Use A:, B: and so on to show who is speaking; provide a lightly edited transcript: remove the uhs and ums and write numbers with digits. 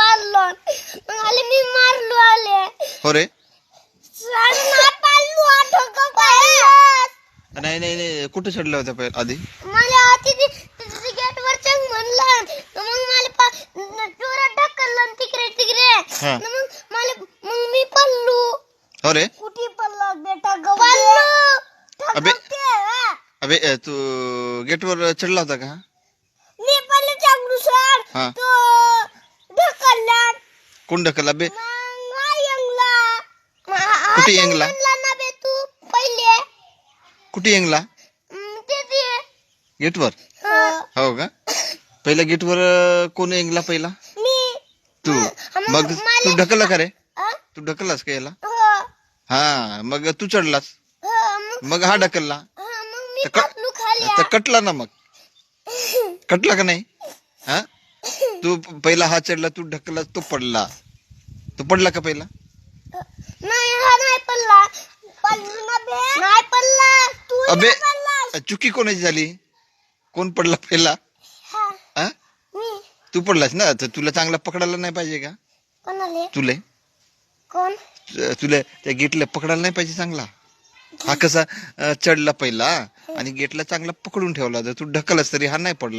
A: पाळलो मग आले मी मारलो आले
B: हो रे
A: नाही पाळलो डोकं पाळलं
B: नाही नाही नाही कुठे चढला होता आधी
A: मला तिथे गेट वर चंग म्हणलं मग मला जोरात ढकललं तिकडे तिकडे
B: हा
A: मग मी पडलो
B: हो रे
A: कुठे पडलो बेटा पडलो
B: अबे अबे तू गेटवर चढला होता का
A: मी पडलो चांगलू सर
B: हा
A: तो ढकलला
B: कोण ढकलला बे
A: कुठे
B: येंगला?
A: ना बे तू पहिले
B: कुठे येंगला
A: ते
B: गेटवर हो का पहिला गेटवर कोण येंगला पहिला
A: मी
B: तू मग तू ढकलला का रे तू ढकललास का याला
A: हो
B: हा मग तू चढलास मग हा ढकलला
A: मग मी
B: तर
A: पडलो खाली
B: तर कटला ना मग कटला का नाही हा तू पहिला हा चढला तू ढकलला तो पडला का पहिला
A: नाही हा नाही पडला पडलो ना बे नाही पडला तू
B: अबे
A: पडला
B: चुकी कोणाची झाली कोण पडला पहिला हा
A: मी
B: तू पडलास ना तर तुला चांगला पकडायला नाही पाहिजे का
A: कोणाले
B: तुले
A: कोण
B: तुला त्या गेटला पकडायला नाही पाहिजे चांगला हा कसा चढला पहिला आणि गेटला चांगला पकडून ठेवला तर तू ढकलस तरी हा नाही पडला